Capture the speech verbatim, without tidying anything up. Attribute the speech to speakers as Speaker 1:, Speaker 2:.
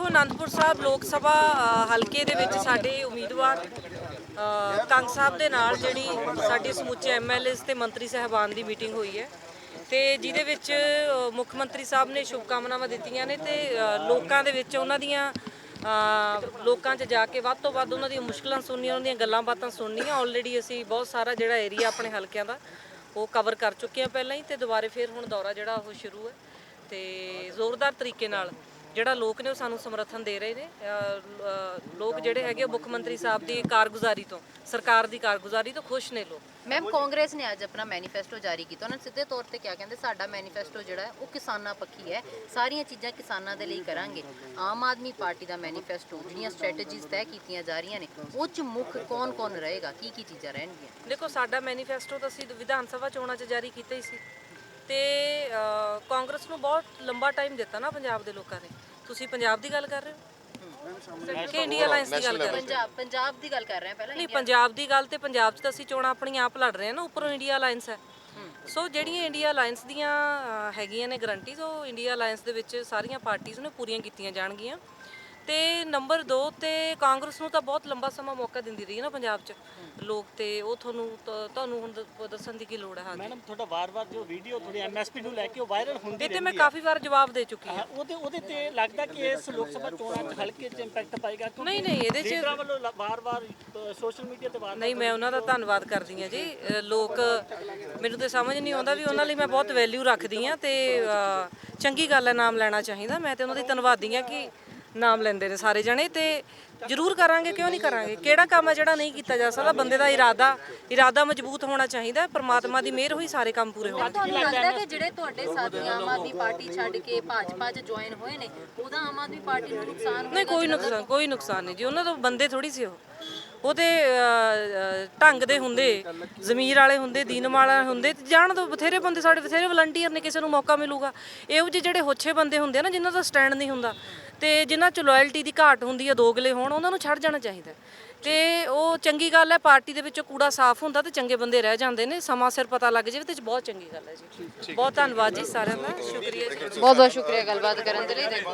Speaker 1: ਅਨੰਦਪੁਰ ਸਾਹਿਬ ਲੋਕ ਸਭਾ ਅ, ਹਲਕੇ ਦੇ ਵਿੱਚ ਸਾਡੇ ਉਮੀਦਵਾਰ ਅ, ਕੰਗ ਸਾਹਿਬ ਦੇ ਨਾਲ ਜਿਹੜੀ ਸਾਡੀ ਸਮੁੱਚੇ ਐਮਐਲਏਸ ਤੇ ਮੰਤਰੀ ਸਾਹਿਬਾਨ ਦੀ ਮੀਟਿੰਗ ਹੋਈ ਹੈ ਤੇ ਜਿਹਦੇ ਵਿੱਚ ਅ, ਮੁੱਖ ਮੰਤਰੀ ਸਾਹਿਬ ਨੇ ਸ਼ੁਭਕਾਮਨਾਵਾਂ ਦਿੱਤੀਆਂ ਨੇ ਤੇ ਅ, ਲੋਕਾਂ ਦੇ ਵਿੱਚ ਉਹਨਾਂ ਦੀਆਂ ਅ, ਲੋਕਾਂ 'ਚ ਜਾ ਕੇ ਵੱਧ ਤੋਂ ਵੱਧ ਉਹਨਾਂ ਦੀਆਂ ਮੁਸ਼ਕਲਾਂ ਸੁਣਨੀਆਂ, ਉਹਨਾਂ ਦੀਆਂ ਗੱਲਾਂ ਬਾਤਾਂ ਸੁਣਨੀਆਂ। ਆਲਰੇਡੀ ਅਸੀਂ ਬਹੁਤ ਸਾਰਾ ਜਿਹੜਾ ਏਰੀਆ ਆਪਣੇ ਹਲਕਿਆਂ ਦਾ ਉਹ ਕਵਰ ਕਰ ਚੁੱਕੇ ਹਾਂ ਪਹਿਲਾਂ ਹੀ, ਤੇ ਦੁਬਾਰੇ ਫਿਰ ਹੁਣ ਦੌਰਾ ਜਿਹੜਾ ਉਹ ਸ਼ੁਰੂ ਹੈ ਤੇ ਜ਼ੋਰਦਾਰ ਤਰੀਕੇ ਨਾਲ ਜਿਹੜਾ ਲੋਕ ਨੇ ਉਹ ਸਾਨੂੰ ਸਮਰਥਨ ਦੇ ਰਹੇ ਨੇ। ਲੋਕ ਜਿਹੜੇ ਹੈਗੇ ਮੁੱਖ ਮੰਤਰੀ ਸਾਹਿਬ ਦੀ ਕਾਰਗੁਜ਼ਾਰੀ ਤੋਂ, ਸਰਕਾਰ ਦੀ ਕਾਰਗੁਜ਼ਾਰੀ ਤੋਂ ਖੁਸ਼ ਨੇ ਲੋਕ।
Speaker 2: ਮੈਮ ਕਾਂਗਰਸ ਨੇ ਅੱਜ ਆਪਣਾ ਮੈਨੀਫੈਸਟੋ ਜਾਰੀ ਕੀਤਾ, ਉਹਨਾਂ ਨੇ ਸਿੱਧੇ ਤੌਰ ਤੇ ਕਿਹਾ, ਕਹਿੰਦੇ ਸਾਡਾ ਮੈਨੀਫੈਸਟੋ ਜਿਹੜਾ ਹੈ ਉਹ ਕਿਸਾਨਾਂ ਪੱਖੀ ਹੈ, ਸਾਰੀਆਂ ਚੀਜ਼ਾਂ ਕਿਸਾਨਾਂ ਦੇ ਲਈ ਕਰਾਂਗੇ। ਆਮ ਆਦਮੀ ਪਾਰਟੀ ਦਾ ਮੈਨੀਫੈਸਟੋ ਜਿਹੜੀਆਂ ਸਟ੍ਰੈਟੇਜੀਜ਼ ਤੈਅ ਕੀਤੀਆਂ ਜਾ ਰਹੀਆਂ ਨੇ ਉਹ 'ਚ ਮੁੱਖ ਕੌਣ ਕੌਣ ਰਹੇਗਾ, ਕੀ ਕੀ ਚੀਜ਼ਾਂ ਰਹਿਣਗੀਆਂ?
Speaker 1: ਦੇਖੋ, ਸਾਡਾ ਮੈਨੀਫੈਸਟੋ ਤਾਂ ਅਸੀਂ ਵਿਧਾਨ ਸਭਾ ਚੋਣਾਂ 'ਚ ਜਾਰੀ ਕੀਤਾ ਹੀ ਸੀ ਤੇ ਕਾਂਗਰਸ ਨੂੰ ਬਹੁਤ ਲੰਬਾ ਟਾਈਮ ਦਿੱਤਾ ਨਾ ਪੰਜਾਬ ਦੇ ਲੋਕਾਂ ਨੇ। ਤੁਸੀਂ ਪੰਜਾਬ ਦੀ ਗੱਲ ਕਰ ਰਹੇ ਹੋ ਕਿ ਇੰਡੀਆ ਅਲਾਈਅੰਸ ਦੀ ਗੱਲ ਕਰ ਰਹੇ ਹੋ?
Speaker 2: ਪੰਜਾਬ ਪੰਜਾਬ ਦੀ ਗੱਲ ਕਰ ਰਹੇ ਹਾਂ ਪਹਿਲਾਂ।
Speaker 1: ਨਹੀਂ, ਪੰਜਾਬ ਦੀ ਗੱਲ ਤੇ ਪੰਜਾਬ 'ਚ ਤਾਂ ਅਸੀਂ ਚੋਣਾਂ ਆਪਣੀਆਂ ਆਪ ਲੜ ਰਹੇ ਹਾਂ ਨਾ, ਉੱਪਰੋਂ ਇੰਡੀਆ ਅਲਾਈਅੰਸ ਹੈ। ਸੋ ਜਿਹੜੀਆਂ ਇੰਡੀਆ ਅਲਾਈਅੰਸ ਦੀਆਂ ਹੈਗੀਆਂ ਨੇ ਗਰੰਟੀਜ਼, ਉਹ ਇੰਡੀਆ ਅਲਾਈਅੰਸ ਦੇ ਵਿੱਚ ਸਾਰੀਆਂ ਪਾਰਟੀਆਂ ਨੇ ਪੂਰੀਆਂ ਕੀਤੀਆਂ ਜਾਣਗੀਆਂ। ਤੇ ਨੰਬਰ ਦੋ ਤੇ ਕਾਂਗਰਸ ਨੂੰ ਤਾਂ ਬਹੁਤ ਲੰਬਾ ਸਮਾਂ ਮੌਕਾ ਦਿੰਦੀ ਰਹੀ ਨਾ ਪੰਜਾਬ 'ਚ ਲੋਕ, ਤੇ ਉਹ ਤੁਹਾਨੂੰ ਤੁਹਾਨੂੰ ਹੁਣ ਦ- ਦੱਸਣ ਦੀ ਕੀ ਲੋੜ ਹੈ? ਹਾਂਜੀ
Speaker 3: ਮੈਡਮ, ਤੁਹਾਡਾ ਵਾਰ-ਵਾਰ ਜੋ ਵੀਡੀਓ ਥੋੜੀ ਐਮਐਸਪੀ ਨੂੰ ਲੈ ਕੇ ਉਹ ਵਾਇਰਲ ਹੁੰਦੀ
Speaker 1: ਇਹ ਤੇ ਮੈਂ ਕਾਫੀ ਵਾਰ ਜਵਾਬ ਦੇ ਚੁੱਕੀ ਹਾਂ।
Speaker 3: ਉਹਦੇ ਉਹਦੇ ਤੇ ਲੱਗਦਾ ਕਿ ਇਸ ਲੋਕ ਸਭਾ ਚੋਣਾਂ 'ਚ ਹਲਕੇ 'ਚ ਇੰਪੈਕਟ ਪਾਏਗਾ?
Speaker 1: ਨਹੀਂ ਨਹੀਂ, ਇਹਦੇ 'ਚ
Speaker 3: ਲੀਡਰਾਂ ਵੱਲੋਂ ਵਾਰ-ਵਾਰ ਸੋਸ਼ਲ ਮੀਡੀਆ ਤੇ ਵਾਰ
Speaker 1: ਨਹੀਂ, ਮੈਂ ਉਹਨਾਂ ਦਾ ਧੰਨਵਾਦ ਕਰਦੀ ਹਾਂ ਜੀ। ਅ, ਲੋਕ, ਮੈਨੂੰ ਤੇ ਸਮਝ ਨਹੀਂ ਆਉਂਦਾ ਵੀ ਉਹਨਾਂ ਲਈ ਮੈਂ ਬਹੁਤ ਵੈਲਿਊ ਰੱਖਦੀ ਹਾਂ ਤੇ ਅ, ਚੰਗੀ ਗੱਲ ਹੈ, ਨਾਮ ਲੈਣਾ ਚਾਹੀਦਾ। ਮੈਂ ਤੇ ਉਹਨਾਂ ਦੀ ਧੰਨਵਾਦੀ ਹਾਂ ਕਿ ਨਾਮ ਲੈਂਦੇ ਨੇ ਸਾਰੇ ਜਣੇ, ਤੇ ਜ਼ਰੂਰ ਕਰਾਂਗੇ, ਕਿਉਂ ਨਹੀਂ ਕਰਾਂਗੇ। ਕਿਹੜਾ ਕੰਮ ਹੈ ਜਿਹੜਾ ਨਹੀਂ ਕੀਤਾ ਜਾ ਸਕਦਾ? ਬੰਦੇ ਦਾ ਇਰਾਦਾ ਇਰਾਦਾ ਮਜ਼ਬੂਤ ਹੋਣਾ ਚਾਹੀਦਾ। ਪਰਮਾਤਮਾ ਦੀ ਮਿਹਰ ਹੋਈ ਸਾਰੇ ਕੰਮ ਪੂਰੇ ਹੋਣਗੇ।
Speaker 2: ਤੁਹਾਨੂੰ ਲੱਗਦਾ ਕਿ ਜਿਹੜੇ ਤੁਹਾਡੇ ਸਾਥੀ ਆਮ ਆਦਮੀ ਪਾਰਟੀ ਛੱਡ ਕੇ ਭਾਜਪਾ 'ਚ ਜੁਆਇਨ ਹੋਏ ਨੇ ਉਹਦਾ ਆਮ ਆਦਮੀ ਪਾਰਟੀ ਨੂੰ ਨੁਕਸਾਨ?
Speaker 1: ਨਹੀਂ, ਕੋਈ ਨੁਕਸਾਨ ਕੋਈ ਨੁਕਸਾਨ ਨਹੀਂ ਜੀ। ਉਹਨਾਂ ਤੋਂ ਬੰਦੇ ਥੋੜੀ ਸੀ ਉਹ ਉਹ ਤੇ ਢੰਗ ਦੇ ਹੁੰਦੇ, ਜ਼ਮੀਰ ਵਾਲੇ ਹੁੰਦੇ, ਦੀਨ ਵਾਲੇ ਹੁੰਦੇ, ਜਾਣ ਦੋ। ਬਥੇਰੇ ਬੰਦੇ ਸਾਡੇ, ਬਥੇਰੇ ਵਲੰਟੀਅਰ ਨੇ, ਕਿਸੇ ਨੂੰ ਮੌਕਾ ਮਿਲੂਗਾ। ਇਹੋ ਜਿਹੇ ਜਿਹੜੇ ਹੋਛੇ ਬੰਦੇ ਹੁੰਦੇ ਆ ਨਾ, ਜਿਨ੍ਹਾਂ ਦਾ ਸਟੈਂਡ ਨਹੀਂ ਹੁੰਦਾ ਤੇ ਜਿਨ੍ਹਾਂ 'ਚ ਲੋਇਲਟੀ ਦੀ ਘਾਟ ਹੁੰਦੀ ਹੈ, ਦੋਗਲੇ ਹੋਣ, ਉਹਨਾਂ ਨੂੰ ਛੱਡ ਜਾਣਾ ਚਾਹੀਦਾ। ਤੇ ਉਹ ਚੰਗੀ ਗੱਲ ਹੈ, ਪਾਰਟੀ ਦੇ ਵਿੱਚੋਂ ਕੂੜਾ ਸਾਫ਼ ਹੁੰਦਾ ਤੇ ਚੰਗੇ ਬੰਦੇ ਰਹਿ ਜਾਂਦੇ ਨੇ, ਸਮਾਂ ਸਿਰ ਪਤਾ ਲੱਗ ਜਾਵੇ ਤੇ ਬਹੁਤ ਚੰਗੀ ਗੱਲ ਹੈ ਜੀ। ਬਹੁਤ ਧੰਨਵਾਦ ਜੀ ਸਾਰਿਆਂ ਦਾ, ਸ਼ੁਕਰੀਆ ਜੀ।
Speaker 2: ਬਹੁਤ ਬਹੁਤ ਸ਼ੁਕਰੀਆ ਗੱਲਬਾਤ ਕਰਨ ਦੇ ਲਈ।